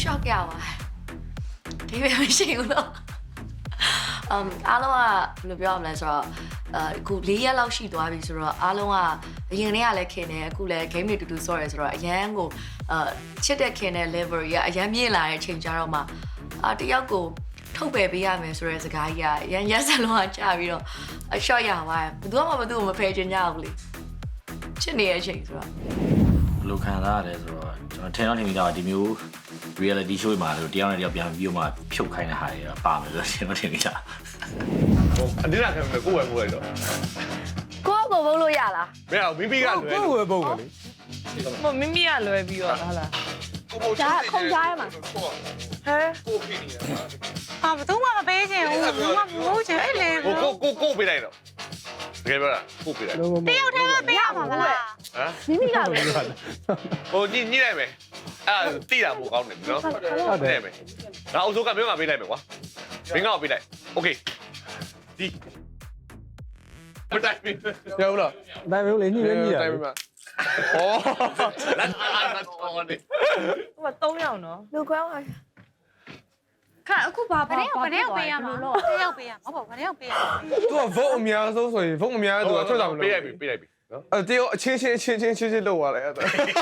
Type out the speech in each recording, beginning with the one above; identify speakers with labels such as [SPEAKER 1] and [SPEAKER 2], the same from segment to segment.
[SPEAKER 1] shock ရပါတယ်ဒီပဲမရှိဘူးလို့အားလုံးကဘယ်လိုပြောရမလဲဆိုတော့အခု4ရက်လောက်ရှိသွားပြီဆိုတော့အားလုံးကအရင်ကတည်းကလည်းခင်နေအခုလည်း game တွေတူတူဆော့ရဲဆိုတော့အရန်ကိုချစ်တဲ့ခင်တဲ့ level ကြီးကအရန်မြင့်လာတဲ့အချိန်ကြတော့မှတယောက်ကိုထုတ်ပယ်ပေးရမယ်ဆိုတဲ့စကားကြီးကရန်ရက်စလုံးကကြာပြီးတော့အရှော့ရသွားတယ်ဘယ်သူမှမသူ့ကိုမဖယ်ချင်ကြဘူးလေချစ်နေတဲ့အချိန်ဆိုတော့
[SPEAKER 2] ဘယ်လိုခံစားရလဲဆိုတော့ကျွန်တော်ထင်တော့ထင်မိတာဒီမျိုး reality show မှာလို့တရားနဲ့တရားပြန်ပြီးတော့မှဖြုတ်ခိုင်းတဲ့ဟာတွေပါမယ်ဆိုတော့ကျွန်တော်ထင်မိတာ
[SPEAKER 3] အတင်းလာခံမယ်ကိုယ်ဝယ်ပို့လိုက်တော့
[SPEAKER 1] ကိုဘုံလို့ရလား
[SPEAKER 3] မရဘူးမိမိကလွယ်
[SPEAKER 4] ကိုယ်ဝယ်ပုံကလေ
[SPEAKER 5] မမိမိကလွယ်ပြီးတော့ဟာလား
[SPEAKER 1] ဒါခုံကြားရမှာ
[SPEAKER 5] ဟဲ
[SPEAKER 3] ကိုဖိနေတာ
[SPEAKER 5] ဟာဘယ်သူမှမပေးချင်ဘူးဘယ်သူမှမလို့ချင်အဲ့လေ
[SPEAKER 3] ကိုပေးလိုက်တော့တကယ်ပြောတာကိုပေးလိုက်
[SPEAKER 5] တယောက်တည်းပဲပေးရမှာမလား
[SPEAKER 1] မိမိကပဲ
[SPEAKER 3] ဟိုညှိလိုက်မယ်အဲ့တိတာပိုကောင်းတယ်နော်ဟုတ်တယ်မယ်ငါအုပ်စိုးကမင်းကပေးလိုက်မယ်ကွာမင်းကပေးလိုက်โอเคဒီမတိုင်ဘူး
[SPEAKER 4] ရောက်လားတိုင်ဘူးလေညှိလဲညှိတာ
[SPEAKER 3] တိုင်ပါဟောလက်တော်နေ
[SPEAKER 5] ဟို3ယောက်နော်
[SPEAKER 1] လူကွဲပါ
[SPEAKER 5] ခါအခုဘာပေးရမှာတယောက်ပေးရမှာဟုတ်ပါဘာတယောက်ပေးရမှာ
[SPEAKER 4] သူက vote အများဆုံးဆိုရင် vote အများသူကထွက်တာမလို့
[SPEAKER 3] ပေးလိုက်ပြီနော်
[SPEAKER 4] အဲ့တယောက်အချင်းလုပ်သွားတယ်အဲ့ဒါ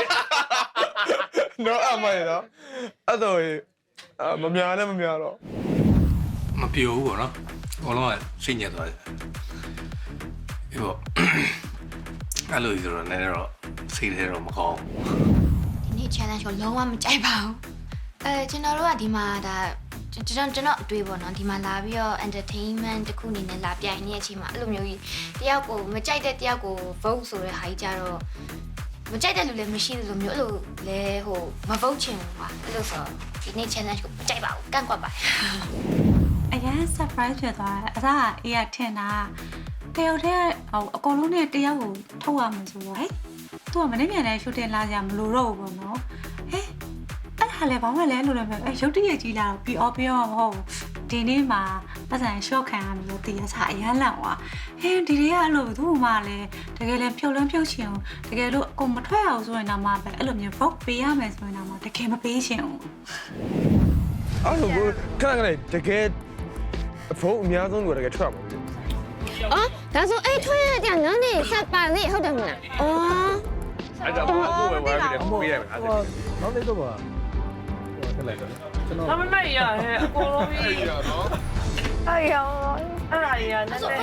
[SPEAKER 4] နော်အမိုင်နော်အဲ့တော့မများလည်းမများတော့
[SPEAKER 6] မပြောဘူးပေါ့နော်အလုံးကစိတ်ညစ်သွားတယ်ဒီပေါ့အဲ့လိုဆိုတော့လည်းတော့စိတ်ထဲတော့မကောင်း
[SPEAKER 1] ဒီနေ့ challenge ကိုလုံးဝမကြိုက်ပါဘူးကျွန်တော်တို့ကဒီမှာဒါကျွန်တော်အတွေ့ပေါ့နော်ဒီမှာလာပြီးတော့ entertainment တခုအနေနဲ့လာပြိုင်နေတဲ့အချိန်မှာအဲ့လိုမျိုးကြီးတယောက်ကိုမကြိုက်တဲ့တယောက်ကို vote ဆိုတဲ့ဟာကြီးကြတော့မကြိုက်တဲ့လူလည်းမရှိသလိုမျိုးအဲ့လိုလဲဟိုမ vote ချင်ဘူးကွာအဲ့လိုဆိုဒီနေ့ challenge ကိုမကြိုက်ပါဘူးကန့်ကွက်ပါတယ်
[SPEAKER 5] အရင် surprise ဖြစ်သွားတယ်အစားအေးရထင်တာတယောက်တည်းဟိုအကုန်လုံးနဲ့တယောက်ကိုထုတ်ရမှာဆိုတော့ဟဲ့သူကမနေ့ပြန်လဲ shooting လာကြမလို့တော့ဘူးပေါ့နော်ဟဲ့အဲ့ဒါလည်းဘာမှလည်းလို့လည်းပဲရုပ်တရက်ကြီးလာတော့ပြီးတော့မဟုတ်ဘူးဒီနေ့မှာပတ်စံ short ခံရမယ်လို့တည်ရစားအရန်လန့်သွားဟင်းဒီတွေကအဲ့လိုသူ့မှလည်းတကယ်လည်းဖြုတ်ချင်အောင်တကယ်လို့အကုန်မထွက်အောင်ဆိုရင်တော့မှပဲအဲ့လိုမျိုး vote ပေးရမယ်ဆိုရင်တော့မှတကယ်မပေးချင်ဘူး
[SPEAKER 4] အဲ့လိုခဏတကယ် vote အများဆုံးကတကယ်ထွက်မှာ
[SPEAKER 7] 哦，他说哎，突然讲哪里下班了以后的嘛？哦，
[SPEAKER 3] အဲ့ဒါကိုဝယ်ပေးလိုက်မယ်အဲ့ဒါ
[SPEAKER 4] နောက်လေးတော့ပါထက်လိုက်တော့ကျွန်တော်
[SPEAKER 5] မမရဟဲ့အကုန်လုံးကြီး
[SPEAKER 3] ရနော်
[SPEAKER 1] 哎呦
[SPEAKER 5] အဲ့ဒါကြီးကနည်းနည်း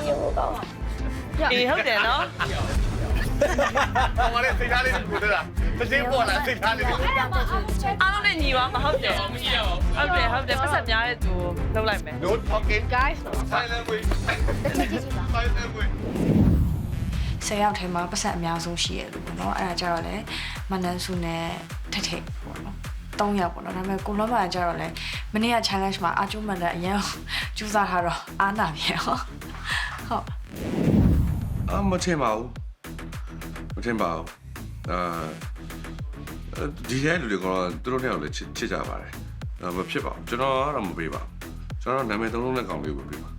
[SPEAKER 5] အေးဟုတ်တယ်နော်
[SPEAKER 3] ဟောလေစိတ်ထားလေးကိုတက်တာတချင်းပေါ်လာစိတ်ထားလေးကို
[SPEAKER 5] အားလုံးနဲ့ညီပါမဟုတ်တယ်ဟုတ်တယ်ပတ်ဆက်များတဲ့သူလှုပ်လိုက်မယ်
[SPEAKER 3] no talking
[SPEAKER 1] guys
[SPEAKER 3] silent way
[SPEAKER 1] တစ်ချက်ကြည့်ပါ
[SPEAKER 3] silent way
[SPEAKER 1] 10ယောက်ထဲမှာပတ်ဆက်အများဆုံးရှိရလို့ပေါ့နော်အဲ့ဒါကြတော့လေမနန်းစုနဲ့ထထပေါ့နော်3ယောက်ပေါ့နော်ဒါပေမဲ့ကိုလုံးမကြတော့လေမနေ့က challenge မှာအာကျုံးမန်တဲ့အရင်ကျူးစားထားတော့အားနာပြန်ဟုတ်
[SPEAKER 3] မထင်ပါဘူးဒီရဲလူတွေကတော့သူတို့နဲ့လည်းချစ်ကြပါတယ်မဖြစ်ပါဘူးကျွန်တော်ကတော့မပေးပါဘူးကျွန်တော်နာမည်သုံးလုံးနဲ့ကောင်လေးကိုပေးပါ